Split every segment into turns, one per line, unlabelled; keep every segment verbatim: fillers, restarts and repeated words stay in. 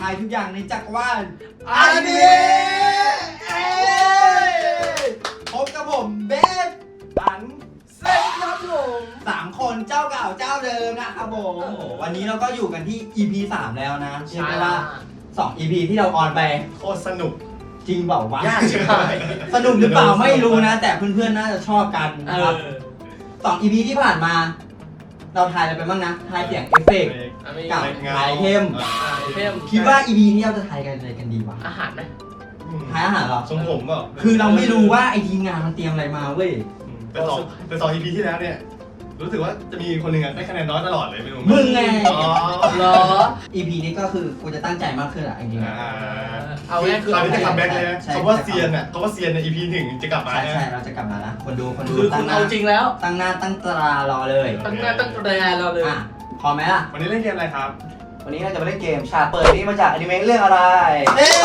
ายทุกอย่างในจักรวาลอ
อัน
นิ
นี้
เมะพบกับผมเบสอัน
เซ็งครับผม
สามคนเจ้าเก่าเจ้าเดิมนะครับผมโอ้โหวันนี้เราก็อยู่กันที่ อี พี สามแล้วนะเรียกได้ว่าสอง อี พี ที่เราออนไป
โคตรสนุก
จริงเปล่าวะ
ยากชิบหาย
สนุกหรือเปล่าไม่รู้นะ แต่เพื่อนๆน่าจะชอบกันนะครับสอง อี พี ที่ผ่านมา เราทายอะไรไปบ้างนะทายเสียงเอฟเฟกต์กับทายเทม
เทม
คิดว่า อี พี นี้เราจะทายกันอะไรกันดีวะ
อาหารไหม
ทายอาหารเหรอ
ทรงผมเปล่า
คือเราไม่รู้ว่าไอทีมงานมันเตรียมอะไรมาเว้ย
แต่สองแต่สอง อี พี ที่แล้วเนี่ยรู้สึกว่าจะมีคนหนึ่งได้คะแนนน้อยตลอดเลยไม่รู้
มึงไง
อ๋อ
เหรอ
อี พี นี้ก็คือกูจะตั้งใจมากขึ้นอะจริงๆ
อ่า
เอาง่ายคือ
ตอนนี้จะคัมแบ็กเลยนะ
ใช่
คำว่าเซียนอ่ะคำว่าเซียนใน อี พี หนึ่งจะกลับมา
ใช่
นะ
ใช่เราจะกลับมาละคนดูคนดู
คือ
ตั้
คุ
ง
ณ
หน้า
เอาจริงแล้ว
ตั้งหน้าตั้งตารอเลย
ตั้งหน้าตั้งแรงเราเลย
อ่ะพร้อมไหมล่ะ
วันนี้เล่นเกมอะไรครับ
วันนี้เราจะมาเล่นเกมฉากเปิดนี้มาจากอนิเมะเรื่องอะไร
เอ้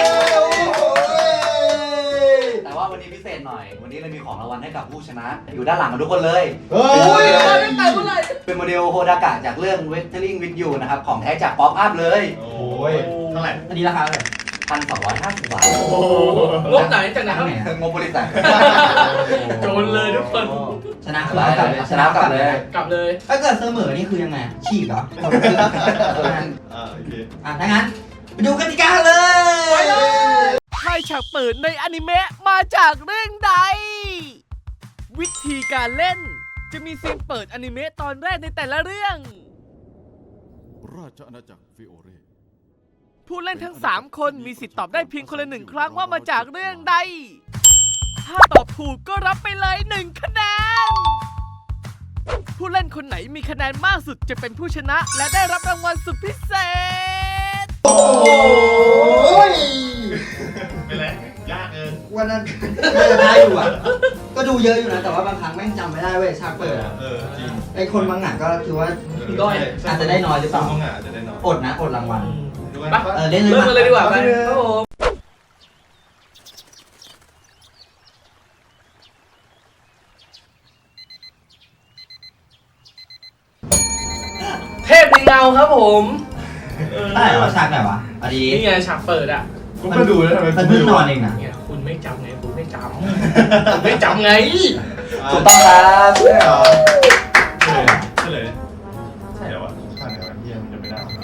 ย
แต่ว่าวันนี้พิเศษหน่อย วันนี้เรามีของรางวัลให้กับผู้ชนะ อยู่ด้านหลังกันทุกคนเลย
เฮ้
โอ้ย
ย
มาตั้งแต่เมื่อไหร่
เป็นโมเดลโฮดากะจากเรื่อง Weathering with You นะครับ ของแท้จากป๊อปอัพเลย
โอ้ยเท่าไหร่
อันนี้ราคาเท่าไหร่
พันสองร้อยห้าสิบบาท
โอ้โห
งบไหนจากไหนครับ
ตั้งไหนอะ
งบบริษัท
โจรเลยทุกคน
ชนะเรากลับเลย
ชนะกลับเลย
กลับเลย
ถ้าเกิดเสมอนี่คือยังไงฉีกเหรอ
อ่าโอเค
อ่ะถ้างั้นไปดูกติกาเลย
ไปเลยใช่ฉากเปิดในอนิเมะมาจากเรื่องใด วิธีการเล่นจะมีซีนเปิดอนิเมะตอนแรกในแต่ละเรื่อง
ราชอาณาจักรฟิโอเร
ผู้เล่นทั้ง สาม คนมีสิทธิ์ตอบได้เพียงคนละหนึ่งครั้งว่ามาจากเรื่องใด ถ้าตอบถูกก็รับไปเลยหนึ่งคะแนน ผู้เล่นคนไหนมีคะแนนมากสุดจะเป็นผู้ชนะ และได้รับรางวัลสุดพิเศษ
โอ้ย
เป็นไรยากเกิน
วันนั้นน่าจะได้อยู่อ่ะ ก็ดูเยอะอยู่นะ แต่ว่าบางครั้งแม่งจำไม่ได้เว้ยฉากเปิดอะ
เออจริง
ไอคนบางหนังก็คือว่า
ด้อย
อาจจะได้น้อยหรือเปล่า
บางอ่ะอาจจะได้น้อย
อดนะ อดรางวัล
ดูกัน
ไป
เออเล่นเลย
เริ่มกันเลยดีกว่าไป
ไป
ครับผมเทพในเงาครับผม
ได้เหรอฉากไหนวะพอดี
นี่ไงฉากเปิดอ่ะ
กูก็ดูแล้วทำไม
มัน
กู
เพิ่ง
ไม่
น
รู้
อนเองนะ
เนี่ยคุณไม่จำไงคุณไม่จำคุณไม่จำไง
ถูกต้องครับ
ใช่เหรอเฉลยเฉลยใช่เหรอวะผ่านไหนวะเฮียมันจะไม่ได้วะ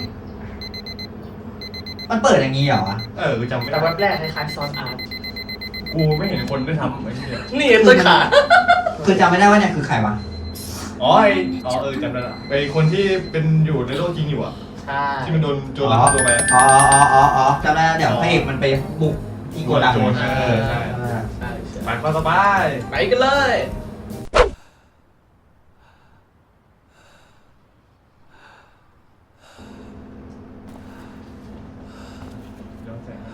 มันเปิดอย่างนี้เหรอวะ
เออกูจำไม่
แต่
ได้
แวบแรกคล้ายๆซอนอาร์ต
กูไม่เห็นคนได้ทำไอ้เหี้ย
นี่ต้นขา
คือจำไม่ได้ว่าเนี่ยคือใครวะ
อ๋อไออ๋อเออจำได้ละไอคนที่เป็นอยู่ในโลกจริงอยู่อ่ะ
ใช่
ที่มันโดนโจรลักพาตัวไปอะ
อ๋ออ๋ออ๋ออ๋อจำได้แล้วเดี๋ยวพระเอกมันไปบุกที่โกดัง
โจรเออใช่
เออ
ใช่ใช่
ไปก็สบาย
ไปกันเลย
ย้อนแสง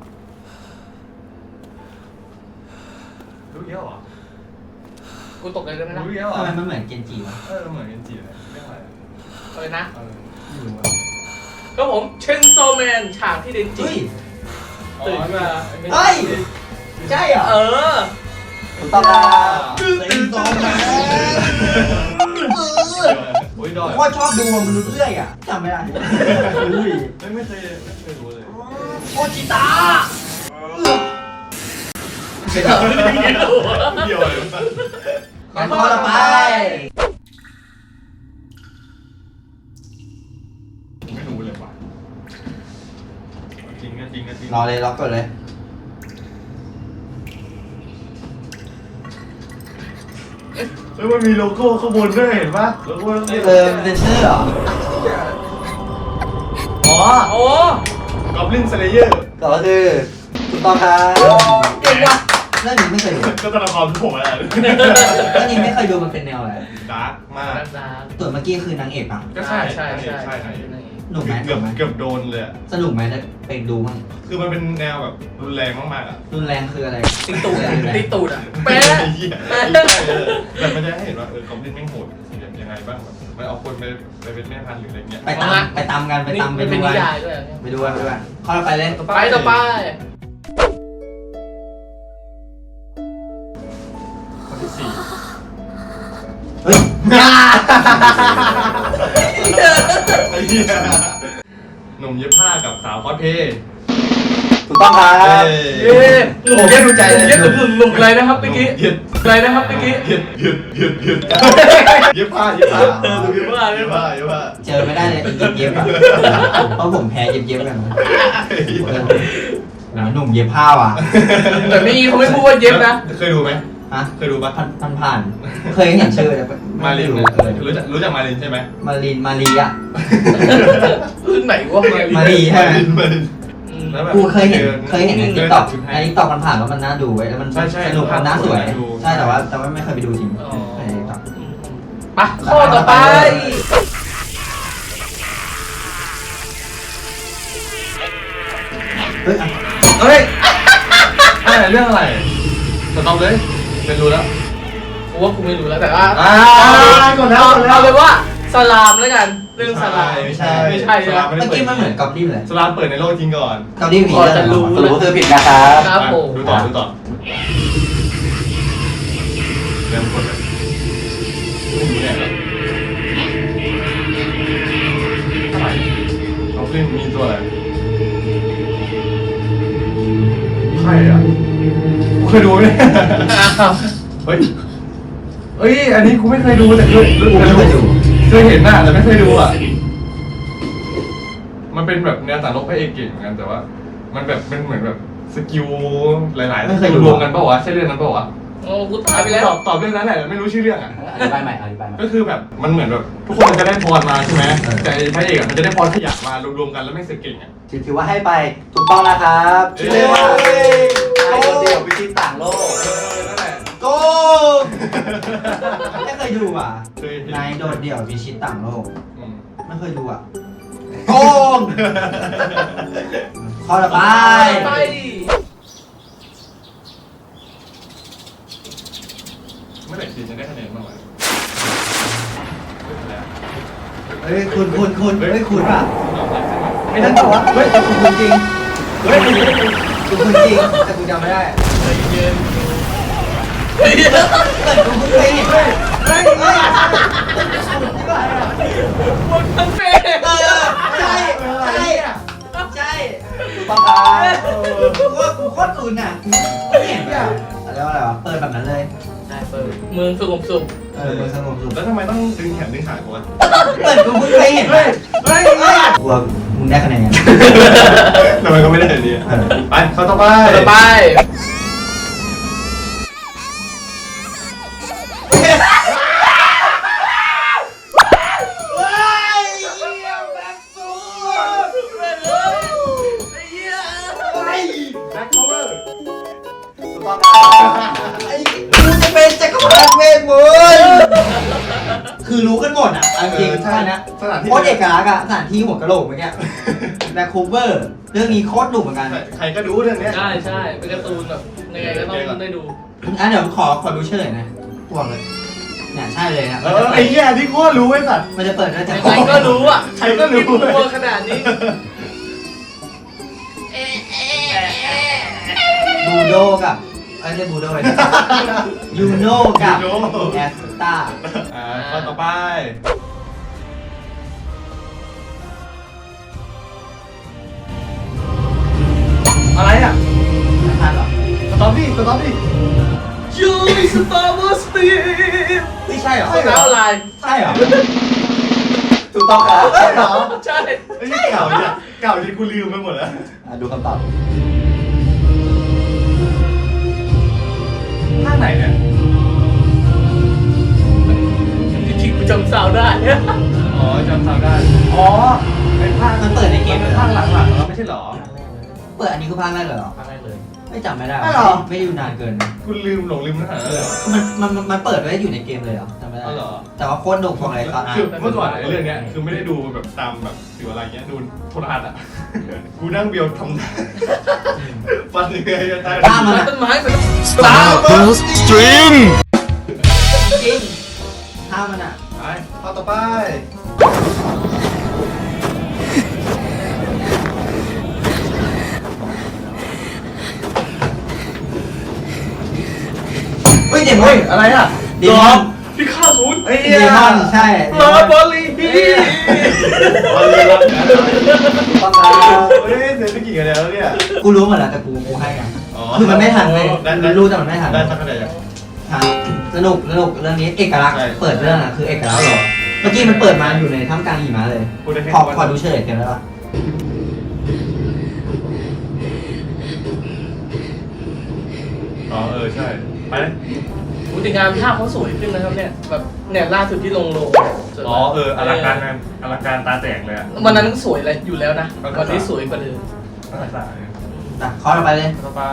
รู้เยอะเหรอ
กูตกเลยได้ไหมล่ะ
รู้เยอะเหรอ
ทำไมมันเหมือนเกนจิวะ
เออเหมือนกันจีเลยเรื่องอะไรอะ
เออนะ
เออไม่รู้อะ
ก็ผมเชนโซแมนฉากที่เดนจิ
เฮ้ย
ตื่นมา
เฮ้ย ใช่เหรอ
เออ
ถูกต้องครับ
เป็นโซแมน
โอ้ยดอย
โคตรชอบดูมนุษย์เลื่อยอ่ะจำไม่ได้อุ้ย
ไม่ไม่เคยไม่เคยรู้เลย
โอจิตา
เกี่ยวอะไรวะ
งั้นข้อต่อไป
ไม่รู้เลยว่ะจริงก็จริงก็จริง
รอเลยรอก่อนเลย
เฮ้ยมันมีโลโก้ข้างบนด้วยเห็นปะโลโก้ต้องเรียก
เออเป็นชื่อเหรอ
อ๋อ
โอ้
กอบลินสเลเยอร์
ต่อก็คือถูกต้องครับ
เก่งว่ะ
เรื่องนี้ไม่เคยดู
ก็ตัวละครที่ผมอะไร
เรื่องนี้ไม่เคยดูมันเป็นแนวอะไร
ดาร์กมาก
ตัวเมื่อกี้คือนางเอกป่ะ
ก็ใช่
ใช่ใช่
ใช่
ใช่
ใช่
หนุกไหม
เกือบเกือบโดนเลยอะ
สนุกไหมได้ไปดูมั้ง
คือมันเป็นแนวแบบรุนแรงมากๆอ่ะ
รุนแรงคืออะไร
ตีตูดอะตีตูดอ่ะ
ไม่
แป๊ะ
ใช่เหี้ยไม่ใช่เออแต่มันจะให้เห็นว่าเออกอบลินแม่งโหดยังไงบ้างแบบมันเอาคนไปไปเป็นแม่พันธุ์หรืออะไรเงี้ย
ไปตามไปตามกันไปตามไป
มันเป็
ดู
นนิ
กัน
ยายด้วย
ไปดูกันไปดูกันข้อต่อไปเลย
ไปต่อไป
คนที่สี่
เฮ้ย
ไอ้เหี้ยหนุ่มเย็บผ้ากับสาวคอสเพลย์
ถูกต้องครับ
เย้หนุ่มเย็ดดูใจเย็ดหนุ่มหนุ่มอะไรนะครับเมื่อกี้
เย็ด
อะไรนะครับเมื่อกี้
เย็ดเย็ดเย็ดเย็ดเย็บผ้าเย็บผ้า
เออเย็บผ้าเย็
เย็
บบ ผ้า
ผ้าเย็บผ้า
เจอไม่ได้เลยเย็บเย็บๆอะเพราะผมแพ้เย็บเย็บๆกันนะเออโอ้โหหนุ่มเย็บผ้าว่ะ
แต่นี่เขาไม่พูดว่าเย็บนะ
เคยดูไหม
ฮะ
เคยดูปะ
ผ่านผ่านผ่านเคยเห็นชื่อแต่
มาลิน
ไรู้
เนี่ย
เออ
รู้จักรู้จักมาลินใช่ไหม
มาลินมารีอะ
รุ่นไหนวะ
มารีใช่ไหม
มาลินมาลินแล้วแบบ
กูเคยเห็นเคยเห็นใน
ดิ
ติ๊ก
น
ต็อก
ชุดให้
ในติ๊กต็อกมันผ่านแล้วมันน่าดูไว้ยแล้วมัน
ใช่ใช่
สนุกมันน่าสวย
น่าดู
ใช่แต่ว่าแต่ว่าไม่เคยไปดูจริง
อ๋อ
ในติ๊กต็อก
ไปข้อต่อไป
เฮ้ยอ่ะ
เฮ้ยอะไรเรื่องอะไรสต็อปเลยเป็นรู้แล้ว
กูว่ากูไม่รู้แล้วแต่ว่า
อ่า
กดแล้ว
เอา
กดแล้ว
เอาเลยว่าสลามแล้วกันเรื่องสลาม
ไม่ใช่
ไม่ใช่
สลาม
เมื่อกี้มันเหมือนกอบลิมเลย
สลามเปิดในโลกจริงก่อน
กอบลิมผี
พอจะรู้
สรุปก็คือผิดนะครับ
ครับผม
ดูต่อดูต่อเริ่มกดเลยไม่รู้เนี่ยอะไรน้องฟิล์มมีตัวอะไรใครอ่ะกูเคยดูไหมเนี่ยเฮ้ยเฮ้ยอันนี้กูไม่เคยดูแต่เคย
กูไม่เคยดู
เคยเห็นหน้าแต่ไม่เคยดูอ่ะมันเป็นแบบแนวสารลบพระเอกเก่งเหมือนกันแต่ว่า มันแบบเป็นเหมือนแบบสกิลหลายๆ
ไม่เคยดู
รวมกันเปล่าวะใช่เรื่องนั้นเปล่าวะ
โอ้กูตายไปแล้ว
ตอบตอบเรื่องนั้นแหละไม่รู้ชื่อเรื่องอ่ะ
อธิบายใหม่อธิบายใหม่
ก็คือแบบมันเหมือนแบบทุกคนมันจะได้พรมาใช่ไหมแต่ไอ้พระเอกอะมันจะได้พรขยะมารวมๆกันแล้วไม่เสกเก่งอ่ะ
ถือว่าให้ไปถูกต้องนะครับชื่อเรื่องว่าไอ้คนเดียววิชิตต่างโลก
เออนั่นแหละ
โกงไม่เคยดูอ่ะ
เคยเห็น
นายโดดเดี่ยวพิชิตต่างโลก
อืม
ไม่เคยดูอ่ะโกงข้อต่อไป
ไป
เมื่อไหร่จีนจะได้คะแนนบ้างวะ
เฮ้ยคุณคุณคุณเฮ้ยคุณป่ะ
ไม่ทันตัว
เฮ้ยแต่คุณคุณจริงเฮ้ยคุณคุณจริงแต่กูจำไม่ได้
เย็น
แต่กูเพิ่งเคยเห็นเฮ้ยเฮ้ยเฮ้ย
หมดทั้งเฟซ
เออใช่ใช่ใช่
ถูกต้องครับ
กูว่ากูโคตรคุณอ่ะกูเห็นอ่ะอะไรวะอะไรวะเปิดแบบนั้นเลย
ใช่เปิดเมืองสงบสุข
เออมือสงบสุด
แล้วทำไมต้องดึงแขนดึงขากูวะ
เปิดกูเพิ่งเคยเห็นเฮ้ยเฮ้ยเฮ้ยกลัวมึงได้คะแนน
ทำไมก็ไม่ได้แบบนี้ไปเข้าต่อไป
ต่อไป
แบ็คโคเวอร์
ถูกต้องครับ
ไอ้กูจะเป็นจักรพรรดิเวทมนต์คือรู้กันหมดอ่ะเอาจริงใช่นะ
สถานที่
โคตรเอกลักษณ์อ่ะสถานที่หัวกะโหลกเมื่อกี้แบ็คคูเวอร์เรื่องนี้โคตรดุเหมือนกัน
ใครก็รู้เรื่องเนี้ย
ใช่ใช่เป็นการ์ตูนแบบยังไงก็ต้องได้ดู
อ่ะเดี๋ยวขอขอดูเฉลยหนะพวกเลยเนี่ยใช่เลยนะ
เออไอ้เหี้ยที่โคตรรู้ไอ้สัตว์
มันจะเปิดได้จาก
ใครก็รู้อ่ะ
ใครก็รู้
ที่มัวขนาดนี้
บูโดกับไอ้ยเรียกบูโดเลยนะยูโนกับแอสตา
อ่าข้อต่อไปอะไรอ่ะ
ไม่ทันหรอ
สตอรี่สตอรี่
ยูสตาร์วอร์สตีฟ
ไม่ใช่หรอ
ข้อเท้าลาย
ใช่หรอ
ถูกต้องครับ
ใช่เหรอ
ใช่
ไอ้นี่เก่าเนี่ยเก่าจนกูลืมไปหมดแล้ว
อ่ะดูคำตอบ
ภาคไหนเนี่ย
จริงๆกูจำสาวได้
อ๋อจำทางได้ อ๋อเป็นภาค
มันเปิดในเกม
เป็
เลย
น
เหรอ
ภาคหลังๆแล้วไม่ใช่เหรอ
เปิดอันนี้คือภาคแรกเลยเหรอ
ภาคแรกเลย
ไม่จำไม่ได้
ไม่หรอ
ไม่ได้ดูนานเกิน
คุณลืมหลงลืมเนื้อหาเลยเหรอ
มันมันมันมันเปิดไว้อยู่ในเกมเลยเหรอจำไม่ได้
อ๋อเหรอ
แต่ว่าโคตรดุของอะไรครับ
คือเมื่อก่อนไอ้เรื่องเนี้ยคือไม่ได้ดูแบบตามแบบสื่ออะไรเงี้ยดูโทรทัศน์อ่ะ กูนั่งเบียวทำฟันยังไงจะตาย
ข้ามมันอะ
ต้นไม้เป็น
Stardust Stream
จริงข้ามมันอ่ะ
ไปข้อต่อไป
เฮ้ยเดมอ
เฮ้ย
น
อะไรอ่ะ
เดมอน
พี่ข้าศูนย์
ไอ้
เด
เหี้ย
มอนใช่
ลาบอลลีฮิ
วันเลยรับนะ
ต้องครับ
เฮ้ยเสร็จไปกี่คะแนนแล้วเนี่ย
กูรู้หมดแล้วแต่กูกูให้กัน
อ๋อ
คือมันไม่ทันเลย
ได้ได้
รู้แต่มันไม่ทัน
ได้สักคะแนนยัง
ฮะสนุกสนุกเรื่องนี้เอกลักษณ์
ใช่
เปิดเรื่องอ่ะคือเอกลักษณ์เหรอเมื่อกี้มันเปิดมาอยู่ในท่ามกลางหิมะเลย
พูดได้แค่
ขอ
ว่า
ขอดูเฉลยกันได้ปะ
อ๋อเออใช่ไปเลย
อุติการภาพเขาสวยขึ้นนะครับเนี่ยแบบเนี่ยล่าสุดที่ลงโลงสวย
อ๋อเอออลังการงานอลังการตาแตกเลยอะ
วันนั้นสวยเลยอยู่แล้วนะ
ก็ก็
วันนี้สวยกว่าเดิม
ตั้งแต่สายเนี่ย
อ่ะขอเราไปเลย
ต่อไป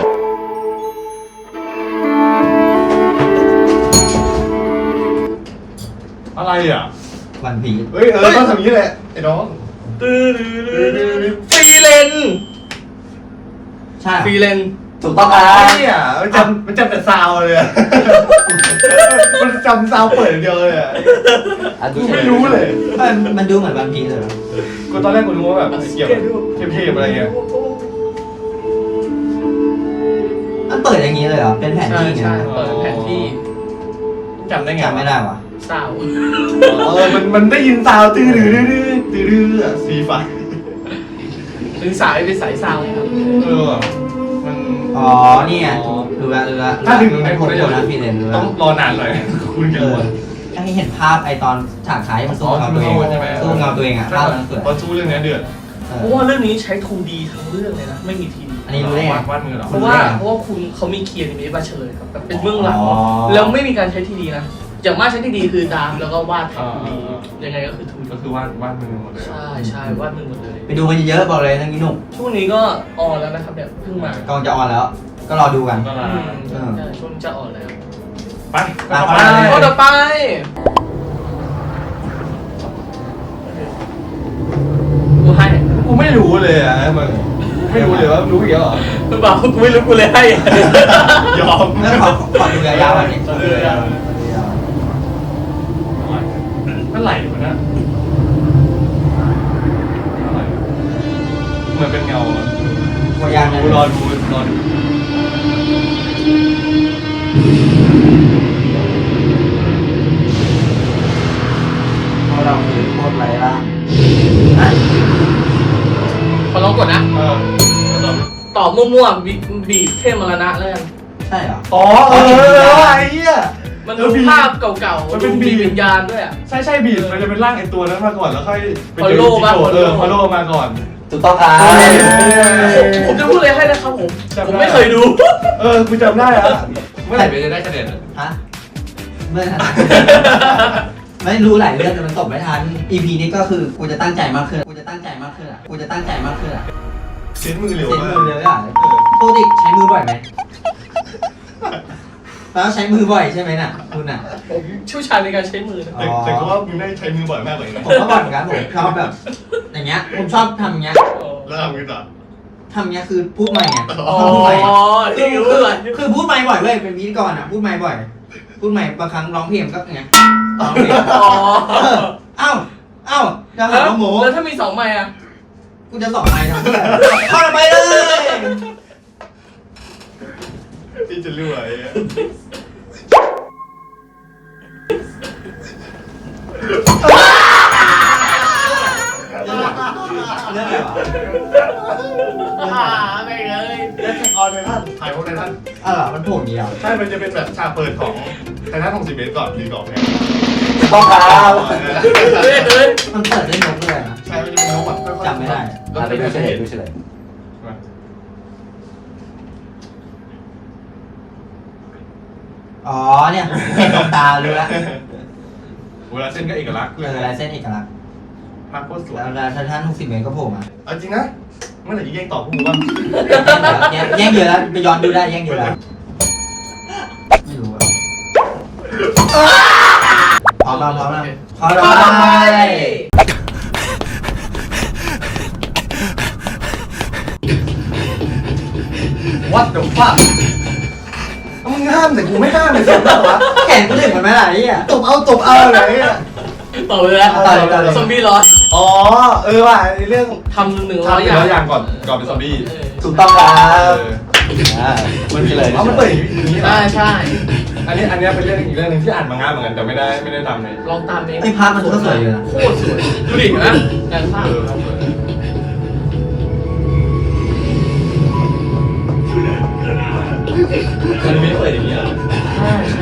อะไรอ่ะ
วันพีช
เฮ้ยเออต้องทำอย่างนี้แหละไอ้น้อง
ตื้อดื้อดื้อดื้อดื้อฟรีเลน
ใช่เหรอ
ฟรีเลน
ถูกต้องครั
ไอ้
บ
เนี่ยมันจำมันจำแต่ซาวด์เลยอะมันจำซาวด์เปิดอย่างเดียวเลยอ่ะ
อ่ะดู
กู
เฉล
ไม่
ย
รู้เลย
มันมันดูเหมือนวันพีชเลยเหรอ
กูตอนแรกกูรู้ว่าแบบเกี่ยวกับเทพๆอะไรเงี้ย
มันเปิดอย่างนี้เลยเหรอเป็นแผน
ใช่
ที่ไง
ใช่เปิดแผนที่
จำได้ไง
จำไม่ได้วะ
สาว
เออมันมันได้ยินซาวด์ตื้อดื้อดื้อดื้อตื้อดื้ออะสีฟ้า
หรือสายเป็นสายซาวครับ
เออว่ะมัน
อ๋อนี่ไงดูละดูละ
ถ้าถึงตรงไหน
ผ
ผม
ม
ได้
โด
จะ
นนะฟีเลนดูละ
ต้องรอนานหน่อยคุณ
เอ
กัน
อให้เห็นภาพไอตอนฉากท้ายมันสู้เงาตัวเอง
ใช่ไหม
สู้เงาตัวเองอ่ะภาพมันสวย
พอสู้เรื่องนี้เดือด
เอ
เพ
อ
ราะว่าเรื่องนี้ใช้ ทู ดี ทั้งเรื่องเลยนะไม่มี ที ดี
อันนี้รู้ได้ไง
วาดวาดมือเหรอ
เพราะว่าเพราะว่าคุณเขามีเคียร์นิเมะมาเฉลยครับแบบเป็นเบื้องหลัง
อ๋อ
แล้วไม่มีการใช้ทีดีนะอย่างมากใช้ทีดีคือดามแล้วก็วาดแผนทีดียังไงก็คือทู
ก็คือวาดวาดมือหมดเลย
ใช่ใช่วาดมือหมดเลย
ไปดูกันเยอะๆบอกเลยทั้งนี้หนุ่ม
ช่วงนี้ก็ออนแล้วนะครับเนี่ยเพิ่งมาก
ำลังจะออนแล้ว ก็รอดูกัน
ก็
อื
ลาม
ใช่ใช่ช่วงนี้จะออนแล้ว
ไป
ตาม
ไป
ไป
ข้อต่อไปกูให้
กูไม่รู้เลยอ่ะมึงไม่รู้เลยว่ารู้อีกแล้วเหรอ
หรือเปล่ากูไม่รู้กูเลยให้
ยอม
แล้วขอขอดูยาวๆอันนี้ขอดูยาว
เมื่อไหร่วะเนี่ยเมื่อไหร่เหมือนเป็นเงาอะ
ๆตัวยาง
ดูรอดูรอดู
เพราะเราคือโคตรไร้ร่างนะ
ขอลองกดนะ
เออ
ตอบมั่วๆบีบีบเทพมรณะแล้วกัน
ใช่เหรอ
อ๋อเออไอ้เหี้ย
มัน
เอ
ดู
อบีบ
ภาพเก่าๆ
มันเป็นบีบ
วิญญาณด้วยอ่ะ
ใช่ใช่บีดมันจะเป็นร่างไอตัวนั้นมาก่อนแล้วค่อยไปเจอ
Follow
จิ
มา
โกะเออ
Follow
ฟอลโล่มาก่อน
ถูกต้องครับ
ผมจะพูดเลยให้นะครับผม
จำได้
ผมไม่เคยดู
เออกูจำได้อะเมื่อไหร่ไปจะได้คะแนนอะ
ฮะเมื่อ ไม่รู้หลายเรื่องแต่มันตกไม่ทัน อี พี นี้ก็คือกูจะตั้งใจมากขึ้น กูจะตั้งใจมากขึ้นอ่ะ กูจะตั้งใจมากขึ้นอ่ะ
เซ็นมือเร็ว
เซ็น
มาก
มือเลยอ่ะปกติใช้มือบ่อยไหมแล้วใช้มือบ่อยใช่ไหมน่ะคุณอ่ะ
ผมเชี่ยวชาญในการใช้มือนะ
แต่แต่ก็ว่ามึงได้ใช้มือบ่อยมากเลยนะ
ผมก็บ่อยเหมือนกันผมชอบแบบ อย่างเงี้ย ผมชอบทำอย่างเงี้ย
แล้วทำไงต่อ
ทำอย่างเงี้ยคือพูดใหม่ไง
อ๋อ
พูดใหม่
ที่
คือ
รู้
คือ
เลย
คือพูดใหม่บ่อยเว้ยเป็นพิธีกรอ่ะพูดใหม่บ่อย พูดใหม่บางครั้งร้องเพลงก็อย่างเงี้ยร้องเพลง
อ๋อ
เออเอ้าเอ้าจะหาว่าโม
แล้วถ้ามีสองไม้อะ
กูจะสอนไม้ทำเพื่อเข้าไปเลย
ที่จะรวยอะ
เรื่องอะไรวะ
อ่าไม่เลย
แล้วออนไททันถ่ายพวกไททัน
อ้าวเหรอมันโผล่อย่างเดียว
ใช่ มันจะเป็นแบบฉากเปิดของไททันหกสิบเมตรก่อนดีก่อนเนี่ย
ถูกต้องครับ
เฮ้ยเฮ้ย
มันเปิดด้วยนกด้วยนะ
ใช่ มันจะเป็นนกแบบค่อยๆ
จำไม่ได้
แล้ว
อ่ะ
เป็
ไป
น
ดูเฉลยดูเฉลย
อ๋อเนี่ยเห็นตรงตารู้แล้ว
เวลาเส้นก็เอกลักษณ์
เออลายเส้นเอกลักษณ์
ภาพโคตรสวย
แล้วแล้วท่านหกสิบเมตรก็โผล่มา
เอาจริงนะ เมื่อไหร่จะแย่งตอบพวกมึงบ้าง
แย่งแย่งเยอะแล้วไปย้อนดูได้แย่งเยอะแล้วไม่รู้อะพร้อมแล้วพร้อมแล้วพร้อมแล้ว
ข้อต่อไป
วัดเดี๋ยวฟังมึงห้ามแต่กูไม่ห้ามเลยสิวะ
แขนกูถึงมันไหมล่ะไอ้เหี้ย
ตบเอาตบเอาอะไรอ่ะ
ต่อไปแล้ว
ต่อเลยต่อเลย
ซอมบี้ร้อน
อ๋อ เออว่ะในเรื่อง
ทำหนึ่งร้อย
ทำ
อ
หนึ่
ย่าง
ร้อยอย่างก่อนก่อนเป็นซอมบี้
เออ
ถูกต้องครั
เอบ อ
อ่าดูเฉลย
อ๋อมันเปิดอย่างนี้
ใช่
นะ
ใช่
อันนี้อันนี้เป็นเรื่องอีกเรื่องหนึงที่อ่านมังงะเหมือนกันแต่ไม่ได้ไม่ได้ทำใน
ลองตามเอง
ไอ้ภาพมันก็สวยอยู่นะ
โคตรสวยดูดิเห็นะงานภาพ
เออสวยอันนี้ไม่เปิดอย่างเงี้ย
ใช่ใช่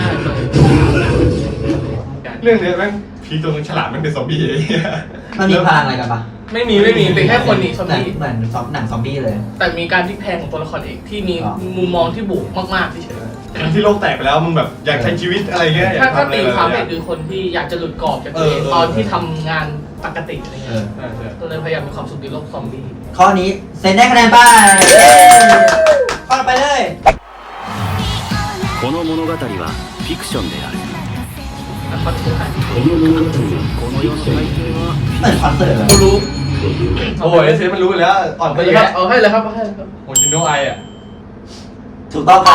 เรื่องเนี้ยแม่งพีตัวนึงฉลาดแม่งเป็นซอมบี้ไอ้เหี้ย
มันมีพลังอะไรกันปะ
ไม่มีไม่มีเป็นแค่คนหนีซอม
เหมือน
บี้
เหมือนซอมหนังซอมบี้เลย
แต่มีการพลิกแพลงของตัวละครเอกที่มี
อ๋อ
มุมมองที่บวกมากๆที่เฉย
ที่โลกแตกไปแล้วมึงแบบอยากใช้ชีวิตอะไรเงี้ยอยา
ถ้าก ถ้า
ทำอะไร
ตี
แบบ
ความเอ
เนี้
ก
ย
คือคนที่อยากจะหลุดกรอบจากตัวเอง
เออเออ
ตอนที่ทำงานปกติอะไร
เอ
เงี้ย
อ
ใช่ใช่
ก็เลยพยายามมีความสุขในโลกซอมบี้
ข้อนี้เซนได้คะแนนไปข้อต่อไปเลย
この物語はフィクションである
แล้วก็ที่หาย
この世の大抵は
เหมือนคอนเสิร์ตเลย
กูรู้
โอ้ยเซฟมันรู้ไปแล้วอ่อนไป
เอาเลย
เย
ครับ
อะ
เอาให้เลยครับเอาให้เลยครับ
โอ้ยจิโนไออ่ะ
ถูกต้องครับ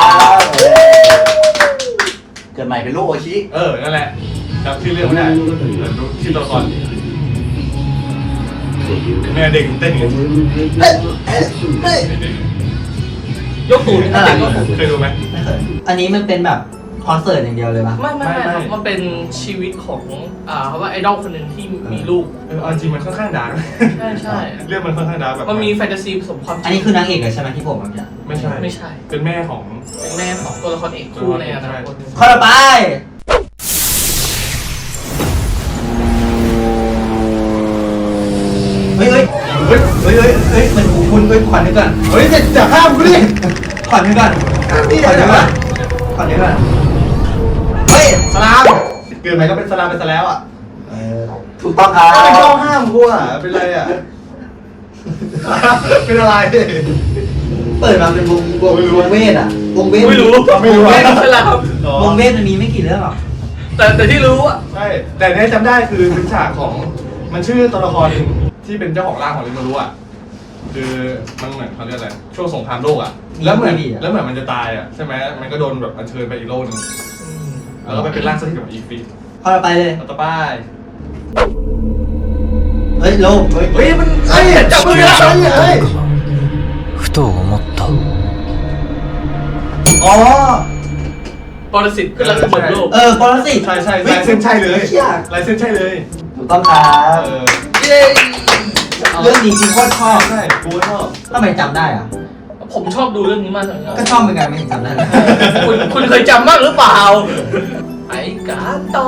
เกิดใหม่เป็นลูกโอชิ
เออนั่นแหละจำชื่อเรื่องไม่ได้แต่รู้ชื่อตัวละครแม่เด็กเต้นอย่างเงี้ย
ยกตูน
น่ารัก
ยกตูน
เคยดูไหม
ไม่เคยอันนี้มันเป็นแบบคอนเสิร์ตอย่างเดียวเลยปะ
ไม่ไม่ไม่ครับ
ไม่
มันเป็นชีวิตของอ่าเขาว่าไอดอลคนหนึ่งที่มีลูก
เออเอาจริงมันค่อนข้างดาร์ก
ใช่ใช่
เรื่องมันค่อนข้างดาร์กแบบ
มันมีแฟนตาซีผสมความจ
อัน
ริ
นี้
ง
คือนางเอกเลยใช่ไหมที่ผมเมื่อกี้
ไม่ใช่
ไม่ใช่
เป็นแม่ของ
เป็นแม่ของตัวละครเอกคู่ในอนาคต
ข้อต่อไปเฮ้ยเฮ้ยเฮ้ยเฮ้ยเฮ้ยเฮ้ยเหมือนหูคุณเฮ้ยขวัญนึกก่อน
เฮ้ยจะจะห้ามกูดิ
ขวัญนึกก่อนขวัญนึกก่อนขวัญนึกก่อนเฮ้ย
สลามเกิดใหม่ก็เป็นสลามไปซะแล้วอ่ะ
เออ
ถูกต้องครับ
ไม่ชอบห้ามกูอ่ะเป็นไรอ่ะ เป็นอะไร
เปิดมาเป็นวงวง
ไม่รู้
วงเวทอะวงเวท
ไม่รู้
ไม่รู้
ไม่
อะ
รู้แล้วครับ
วงเวทมันมีไม่กี่เรื่องหรอก
แต่แต่ที่รู้อ่ะ
ใช่ แต่เนี้ยจำได้คือเป็นฉากของมันชื่อตัวละครที่เป็นเจ้าของร่างของลิมารุอ่ะคือมันเหมือนเขาเรียกอะไรช่วงสงครามโลกอ่ะแล้วเหมือนแล้วเหมือนมันจะตายอ่ะใช่ไหมมันก็โดนแบบอัญเชิญไปอีกโลกนึงแล้วก็ไปเป็นร่างสถิตของอีฟิต
ข้อต่อไปเลย
ต่อไป
เฮ้ยโลกเฮ้ย
เฮ้ยมันเฮ้ยจับมือกันเฮ้ย
ふと思った
อ๋อ
ปรสิตขึ้นแล้วสมบูรณ์โลก
เออปรสิต
ใช่ใช่ลายเส้นใช่เลย
เชี่ย
ลายเส้นใช่เลย
ถูกต้องครับ
เออ
เย้เรื่องนี้จริงโคตรชอบ
ใช่กูก็ชอบ
ทำไมจำได้อะ
ผมชอบดูเรื่องนี้มากเลย
ก็ชอบเหมือนกันไม่เห็นจำได้เลย
คุณคุณเคยจำมากหรือเปล่าไอ้กาต่อ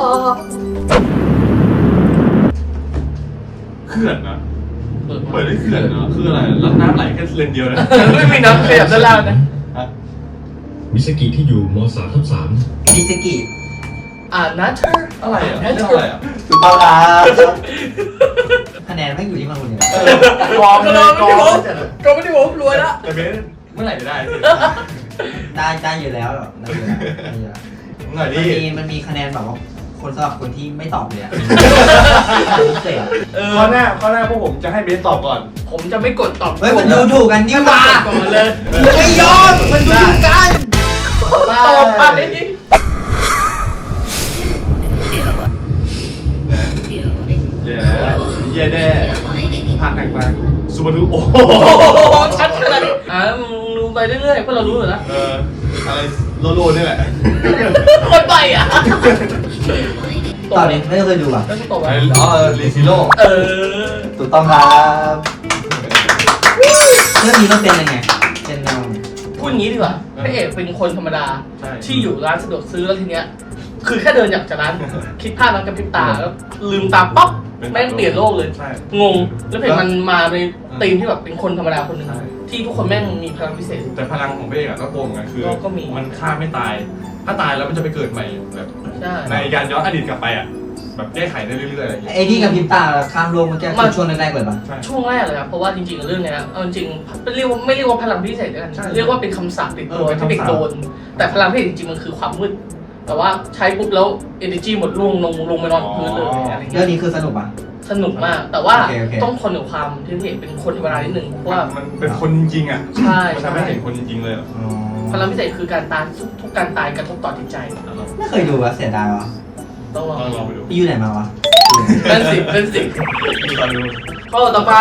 เขื่อนนะเปิดด้วยเขื่อนนะคืออะไรแล้วน้ำไหลแค่เลนเดียวนะ
ไม่มีน้ำขยับด้านล่างนะ
มิสกิที่อยู่ม สามทับสาม
ดิสกิ
อ่านัทเธอร์
อะไรอ่ะเรื่องอะไรอ่ะ
ถูกต้องครับ
คะแนนไม่อยู่ที่มันคนเดียว
เออกองเลยกอง
ก็ไม่ได้ผมรวยละ
แต่เบสเมื่อไหร่จะได้สิ
ได้ได้อยู่แล้วหรอกได้อยู่แล้วได้อยู่แล้ว
หน่อย
มัน
ดิ
มีมันมีคะแนนแบบว่าคนสำหรับคนที่ไม่ตอบเลยอะพิเศษ
เออ
ข้อหน้าข้อหน้าพวกผมจะให้เบสตอบก่อน
ผมจะไม่กดตอบ
เฮ้ยมันดูถูกกันนี่หว่า
ก่อนเลย
ไม่ยอมมันดูถูกกัน
ตอบไป
เย้เย้แน่ผ่านหนักมาซูบารุโอ้โห
โอ้โหชัดขนาดนี้อ่ามึงดูไปเรื่อยๆเพราะเรารู้อยู่แล้ว
เอออะไรโลโลนี่แหละ
คนไปอ่ะ
ตอนนี้ไม่เคยดูอ่ะ
แล้วตบไป
ไอ้อ๋อรีซิโร่
เออ
ถูกต้องครับ
เรื่องนี้มันเป็นยังไงเป็นแนว
พูดอย่างนี้ดีกว่าพระเอกเป็นคนธรรมดา
ใช่
ที่อยู่ร้านสะดวกซื้อแล้วทีเนี้ย คือแค่เดินจากร้าน คิดภาพแล้วกระพริบตาแล้วลืมตาป๊อปแม่งเปลี่ยนโลกเลย
ใช่
งง แล้วเพจมันมาในธีมที่แบบเป็นคนธรรมดาคนหนึ่ง
ใช่
ที่ทุกคนแม่งมีพลังพิเศษ
แต่พลังของเบสอะก็โกงกันคือ
ก็ก็มี
มันฆ่าไม่ตาย ถ้าตายแล้วมันจะไปเกิดใหม่แบบ
ใช่
ในการย้อนอดีตกลับไปอ่ะแบบแก้ไขได้เรื่อยๆอะไรอย่างเงี้ย
ไอ้ที่กับพริบตาข้ามโลกมันแก้ช่วงแรกๆเลยปะ
ใช่
ช่วงแรกเลยครับเพราะว่าจริงๆเรื่องเนี้ยเอาจริงๆไม่เรียกว่าไม่เรียกว่าพลังพิเศษด้วยกัน
ใช่
เรียกว่าเป็นคำสาปติดตัว
เออเป็น
ที่เด็ก
คำสาป
โดน แต่พลังพิเศษจริงๆมันคือความมืด แต่ว่าใช้ปุ๊บแล้ว energy หมดล่วงลงลงไปนอนพื้นเลยอะไร
เรื่
เงี้
อง
ย
นี้คือสนุกปะ
สนุกมาก แต่ว่า
โอเคโอเค
ต้องทนกับความที่พระเอกเป็นคนธรรมดานิดนึงเพราะว่า
มันเป็นคนจริงๆอ่ะ
ใช่
มันทำให้เห็นคนจริงๆเลยอะ
พลังพิเศษคือการตายทุกการตายกระทบต่อจิตใจ
ไม่เคยดูวะเสียดายวะ
ต้องลอง
ลองลองไปดู
ไปอยู่ไหนมาวะ
เป็นสิเป็นสิ
ลองดู
ข้อต่อไป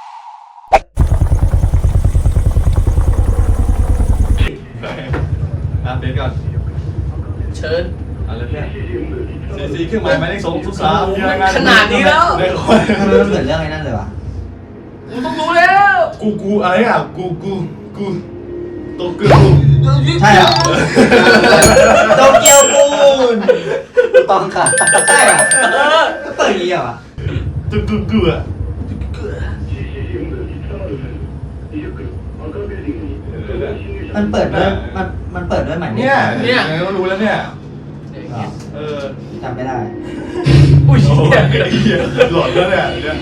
เ
เชิญ
อะไรเนี่ยซีซีเครื่องหมายหมายเลขสองทุกสาม
ขนาดนี้แล้ว
ได้คน
ทำไมมันเหมือนเรื่องไอ้นั่นเลยวะ
กูต้องรู้แล้ว
กูกูอะไรอ่ะกูกูกูโตกู
ใช่เหรอโตเกียวปูน
ถูกต้องค่ะ
ใช่เหรอก็เปิดอย่างนี้เหรอวะ
กูกูกูอ่ะ
มันเปิดด้วยมันมันเปิดด้วยหมายเลข
เนี่ยเนี่ยก็รู้แล้วเนี่ย
เหรอ
เออ
จำไม่ได้
อุ้ย
โอ้
เหี้ย
ยหลอนแล้วเนี่ยเนี่ย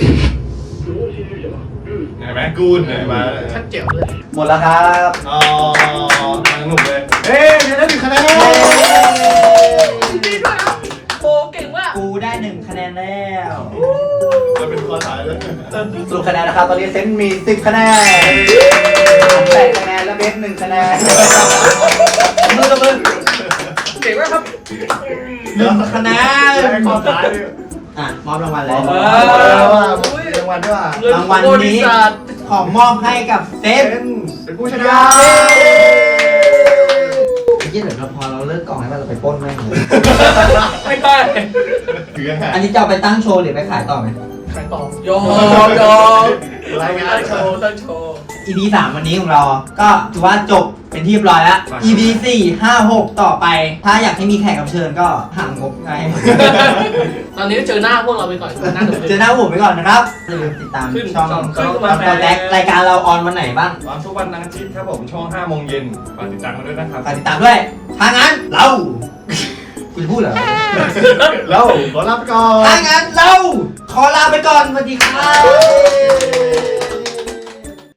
เห็นไหมกูนเห็นไหม
ชัดเจ๋วเลย
หมดแล้วครับ
อ๋อสนุกเลยเอ้ยเดี๋ยวได้หนึ่งคะแนน
ดีด้วยครับโอ้เก่งมาก
กูได้หนึ่งคะแนนแล้ว
จะเป็นข้อท้ายแล้ว
สรุปคะแนนนะครับ ตอนนี้เซนมีสิบคะแนนแปดคะแนนและเบสหนึ่งคะแนนมือละมือ
เก่งมากครับ
หนึ่งคะแนน
ข้อท้ายเนี่ย
อ่ะมอบรางวัลเลย
เอ
อุ้ยรางวัลด้วยว่ะ
เงิน
รางวัล
บริ
นี้
ษัท
ของมอบให้กับเซฟ
เป็นเป็นผู้ชนะ
ไอ้ยี่เดี๋ยวเราพอเราเลิกกล่องให้มันเราไปปล้นแม่งเลย
ไม่ได้
ถือยังไง
อันนี้จะเอาไปตั้งโชว์หรือไปขายต่อไหม
ใครตอบยอมยอม
รายงาน
ตั้งโชว์ตั้งโชว์
อี พี สามวันนี้ของเรา ก็ถือว่าจบเป็นที่เรียบร้อยแล้ว อี พี สี่ ห้า หก ต่อไป ถ้าอยากให้มีแขกรับเชิญก็หางบไง
ตอนนี้เจอหน้าพวกเราไปก่อนหน้าหนู
เจอหน้าผมไปก่อนนะครับอย่าลืมติดตาม
ขึ้น
ช่อง
ช่อง
ช่อง
ขึ้นมา
โปรแจ็ครายการเราออนวันไหนบ้าง
วันทุกวันอาทิตย์ครับผมช่องห้าโมงเย็นฝากติดตามกันด้วยนะครับ
ฝากติดตามด้วยถ้างั้นเราคุณจะพูดเหรอ
แล้วขอลาไปก่อน
ถ้างั้นเราขอลาไปก่อนสวัสดีครับ